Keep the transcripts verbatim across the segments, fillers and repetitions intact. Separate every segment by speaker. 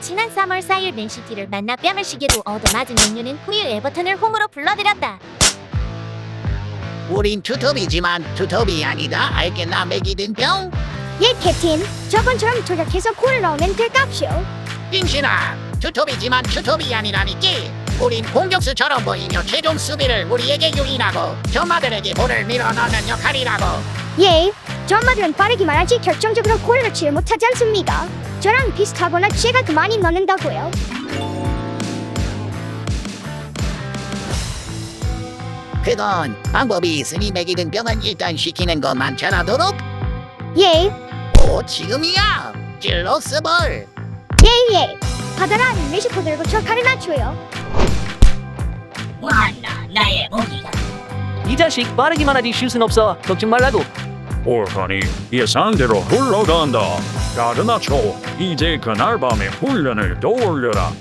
Speaker 1: 지난 삼월 사일 맨시티를 만나 뺨을 시게도 얻어맞은 맨유는 후유 에버턴을 홈으로 불러들였다.
Speaker 2: 우린 투톱이지만 투톱이 아니다. 알겠나 맥이든 병?
Speaker 3: 예, 캡틴. 저번처럼 조작해서 골을 넣으면 될값이오.
Speaker 2: 빙신아, 투톱이지만 투톱이 아니라니끼. 우린 공격수처럼 보이며 최종 수비를 우리에게 유인하고 전마들에게 볼을 밀어넣는 역할이라고.
Speaker 3: 예, 전마들은 빠르기만 하지 결정적으로 골을 넣지 못하지 않습니까? 저랑 비슷하거나 제가 더 많이 넣는다고요.
Speaker 2: 그건 방법이 있으니 맥이든 병은 일단 시키는 것만 잘하도록.
Speaker 3: 예,
Speaker 2: 오, 지금이야. 찔러스볼.
Speaker 3: 예, 예. 받아라, 메시코 들고 저 가르나초요.
Speaker 4: 와나 나의 무기가
Speaker 5: 이 자식 빠르기만 하지 슛은 없어. 걱정 말라고.
Speaker 6: 오하니 예상대로 흘러간다. 가르나초, 이제 그날 밤에 훈련을 더 올려라.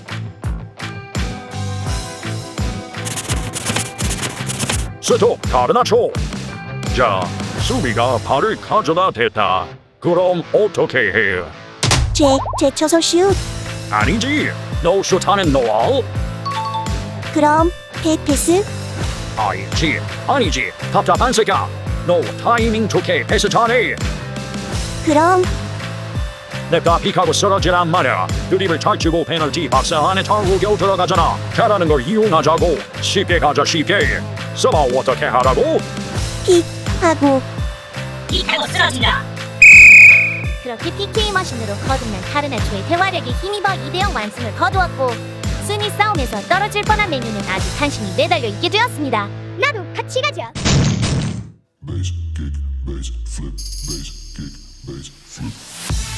Speaker 6: 스톱, 가르나초. 자, 수비가 발을 가져다 댔다. 그럼 어떻게 해?
Speaker 3: 제, 제 쳐서 슛.
Speaker 6: 아니지, 너 슛하는 노알?
Speaker 3: 그럼 백패스.
Speaker 6: 아니지, 아니지, 답답한 새끼야. 너 타이밍 좋게 패스 잘해.
Speaker 3: 그럼
Speaker 6: 내가 픽하고 쓰러지란 말이야. 드립을 잘 치고 페널티 박스 안에 타고 겨우 들어가잖아. 잘하는 걸 이용하자고. 쉽게 가자 쉽게. 써봐 어떻게 하라고?
Speaker 3: 하고
Speaker 4: 이타고 쓰러진다.
Speaker 1: 그렇게 피케이 머신으로 거듭난 카르나초의 대화력에 힘입어 이 대 영 완승을 거두었고 순위 싸움에서 떨어질 뻔한 맨유는 아직 간신히 매달려 있게 되었습니다.
Speaker 3: 나도 같이 가자.
Speaker 7: bass kick, bass flip, bass kick, bass flip.